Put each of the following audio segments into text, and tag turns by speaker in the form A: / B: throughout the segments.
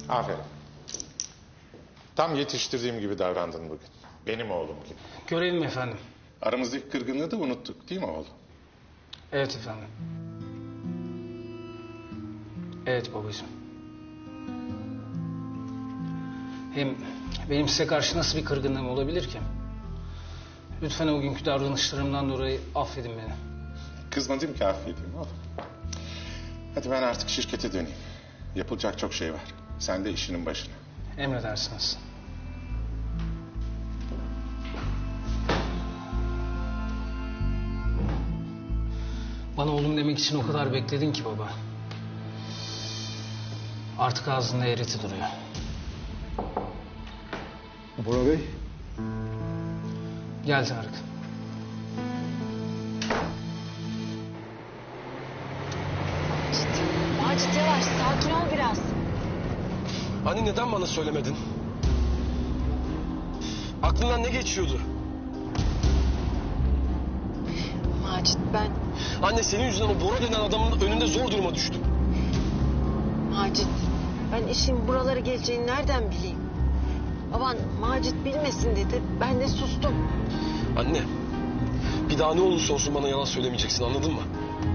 A: Aferin. Tam yetiştirdiğim gibi davrandın bugün. Benim oğlum gibi.
B: Görevim efendim.
A: Aramızdaki kırgınlığı da unuttuk değil mi oğlum?
B: Evet efendim. Evet babacığım. Hem benim size karşı nasıl bir kırgınlığım olabilir ki? Lütfen o günkü davranışlarımdan dolayı affedin beni.
A: Kızmadım ki affedeyim oğlum. Hadi ben artık şirkete döneyim. Yapılacak çok şey var. Sen de işinin başına.
B: Emredersiniz. Bana oğlum demek için o kadar bekledin ki baba. Artık ağzında eğreti duruyor.
C: Bora Bey.
B: Gel Tarık.
D: Macit yavaş, sakin ol biraz.
E: Anne neden bana söylemedin? Aklından ne geçiyordu?
D: Macit ben...
E: Anne senin yüzünden o Bora denen adamın önünde zor duruma düştüm.
D: Macit, ben işin buralara geleceğini nereden bileyim? Baban Macit bilmesin dedi, ben de sustum.
E: Anne, bir daha ne olursa olsun bana yalan söylemeyeceksin, anladın mı?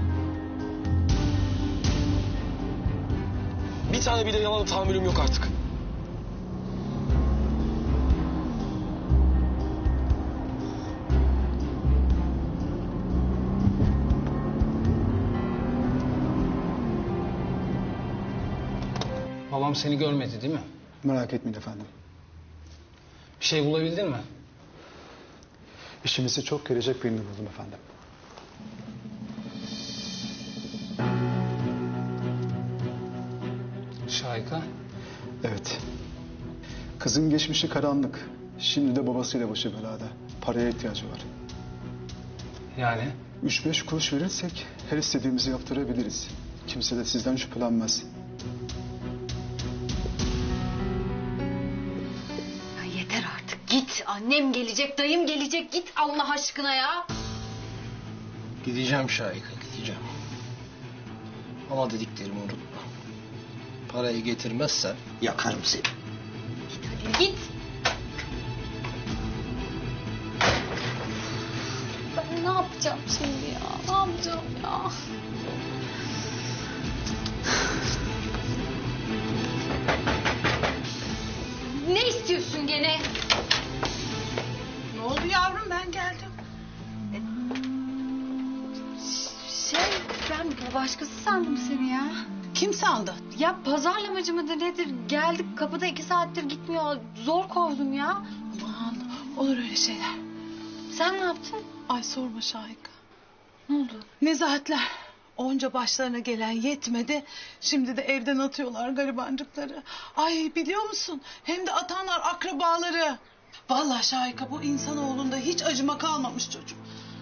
E: Bir tane bile yalana tahammülüm yok artık.
B: Babam seni görmedi değil mi?
C: Merak etmeyin efendim.
B: Bir şey bulabildin mi?
C: İşimize çok gelecek birini buldum efendim.
B: Şahika.
C: Evet. Kızın geçmişi karanlık. Şimdi de babasıyla başı belada. Paraya ihtiyacı var.
B: Yani?
C: 3-5 kuruş verirsek her istediğimizi yaptırabiliriz. Kimse de sizden şüphelenmez.
F: Ya yeter artık git. Annem gelecek, dayım gelecek. Git Allah aşkına ya.
G: Gideceğim Şahika, gideceğim. Ama dediklerimi unutma. Parayı getirmezsen yakarım seni.
F: Git hadi git. Ben ne yapacağım şimdi ya? Ne yapacağım ya? Ne istiyorsun gene?
H: Ne oldu yavrum, ben geldim.
F: Ben başkası sandım seni ya.
H: Kim sandı?
F: Ya pazarlamacı mıdır nedir? Geldik kapıda 2 saattir gitmiyor. Zor kovdum ya.
H: Aman olur öyle şeyler.
F: Sen ne yaptın?
H: Ay sorma Şahika.
F: Ne oldu?
H: Nezahatler. Onca başlarına gelen yetmedi. Şimdi de evden atıyorlar garibancıkları. Ay biliyor musun? Hem de atanlar akrabaları. Vallahi Şahika, bu insanoğlunda hiç acıma kalmamış çocuk.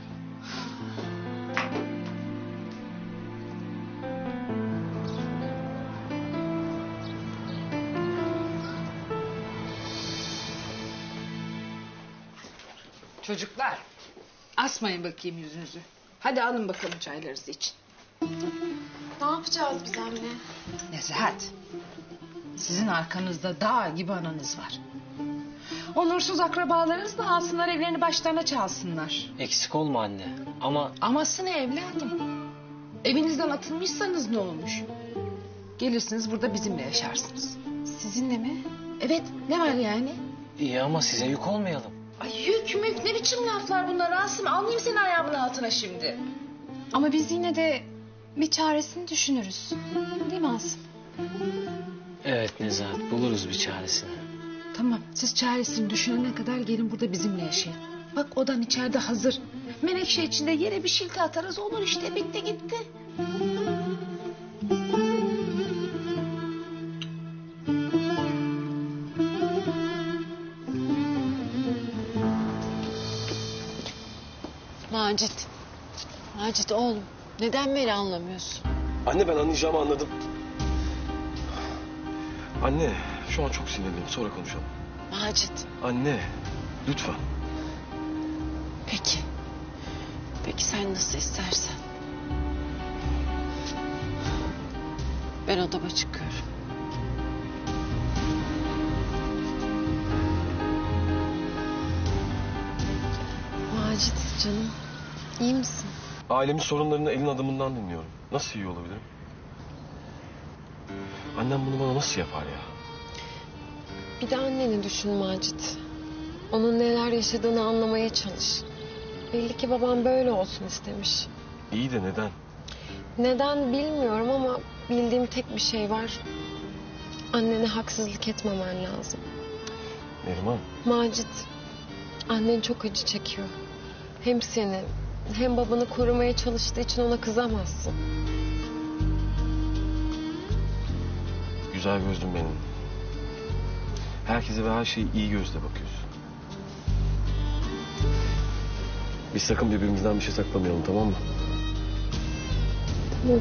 I: Çocuklar, asmayın bakayım yüzünüzü. Hadi alın bakalım çaylarınızı için.
F: Ne yapacağız biz anne?
I: Nezahat, sizin arkanızda dağ gibi ananız var. Onursuz akrabalarınız da alsınlar evlerini başlarına çalsınlar.
G: Eksik olma anne ama...
I: Aması ne evladım? Evinizden atılmışsanız ne olmuş? Gelirsiniz burada bizimle yaşarsınız.
F: Sizinle mi?
I: Evet, ne var yani?
G: iyi ama size yük olmayalım.
I: Ay yük mük ne biçim laflar bunlar Asım? Almayayım seni ayağımın altına şimdi.
F: Ama biz yine de bir çaresini düşünürüz. Değil mi Asım?
G: Evet Nezahat, buluruz bir çaresini.
I: Tamam, siz çaresini düşünene kadar gelin burada bizimle yaşayın. Bak odan içeride hazır. Menekşe içinde yere bir şilte atarız, olur işte, bitti gitti.
D: Macit. Macit oğlum, neden beni anlamıyorsun?
E: Anne ben anlayacağımı anladım. Anne şu an çok sinirliyim, sonra konuşalım.
D: Macit.
E: Anne lütfen.
D: Peki. Peki sen nasıl istersen. Ben odama çıkıyorum. iyi misin?
E: Ailemin sorunlarını elin adımından dinliyorum. Nasıl iyi olabilirim? Annem bunu bana nasıl yapar ya?
D: Bir de anneni düşün Macit. Onun neler yaşadığını anlamaya çalış. Belli ki babam böyle olsun istemiş.
E: İyi de neden?
D: Neden bilmiyorum ama bildiğim tek bir şey var. Annene haksızlık etmemen lazım.
E: Neriman.
D: Macit, annen çok acı çekiyor. Hem seni hem babanı korumaya çalıştığı için ona kızamazsın.
E: Güzel gözlüm benim. Herkese ve her şeye iyi gözle bakıyorsun. Biz sakın birbirimizden bir şey saklamayalım, tamam mı?
D: Tamam.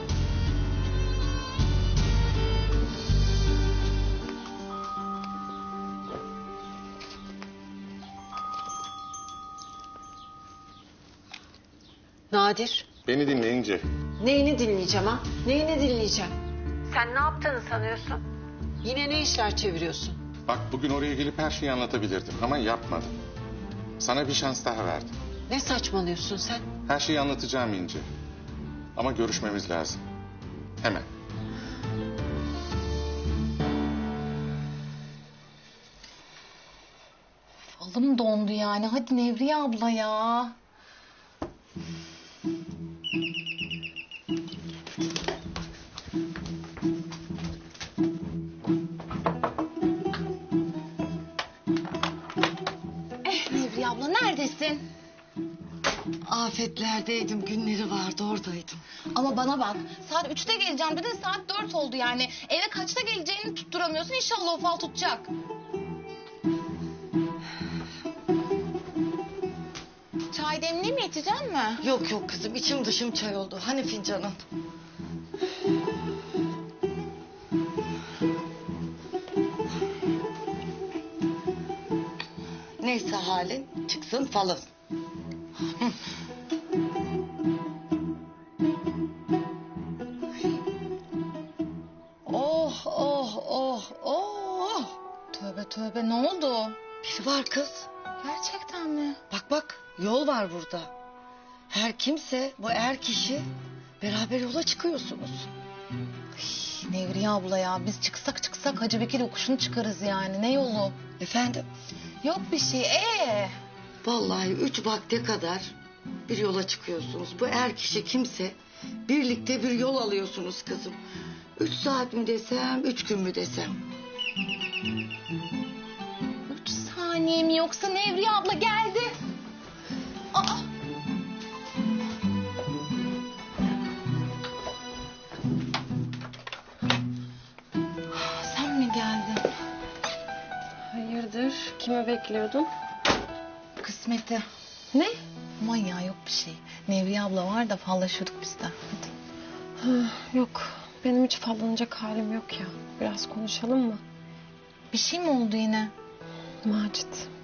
D: Nadir.
A: Beni dinleyince
D: Neyini dinleyeceğim ha? Neyini dinleyeceğim? Sen ne yaptığını sanıyorsun? Yine ne işler çeviriyorsun?
A: bak bugün oraya gelip her şeyi anlatabilirdim ama yapmadım. Sana bir şans daha verdim.
D: Ne saçmalıyorsun sen?
A: Her şeyi anlatacağım İnce. Ama görüşmemiz lazım. Hemen.
F: Alım dondu yani. Hadi Nevriye abla ya. Nevriye abla neredesin?
D: Afetlerdeydim, günleri vardı, oradaydım.
F: Ama bana bak. Saat 3'te geleceğim dedin, saat 4 oldu yani. Eve kaçta geleceğini tutturamıyorsun. İnşallah o fal tutacak. Çay demleyeyim mi, içecek mi?
D: Yok yok kızım, içim dışım çay oldu. Hani fincanın? Neyse halin, çıksın falın.
F: Oh oh oh oh. Tövbe tövbe, ne oldu?
D: Biri var kız.
F: Gerçekten mi?
D: Bak bak, yol var burada. Her kimse, bu er kişi, beraber yola çıkıyorsunuz.
F: Nevriye abla ya, biz çıksak Hacı Bekir yokuşunu çıkarız yani. Ne yolu?
D: Efendim?
F: Yok bir şey.
D: Vallahi 3 vakte kadar bir yola çıkıyorsunuz. Bu er kişi kimse, birlikte bir yol alıyorsunuz kızım. 3 saat mi desem, 3 gün mü desem?
F: 3 saniye mi yoksa Nevriye abla geldi? Aa! Sen mi geldin?
D: Hayırdır, kimi bekliyordun?
F: Kısmeti.
D: Ne?
F: Aman ya, yok bir şey. Nevriye abla var da fallaşıyorduk biz de. Hadi.
D: Yok, benim hiç fallanacak halim yok ya. Biraz konuşalım mı?
F: Bir şey mi oldu yine?
D: Macit,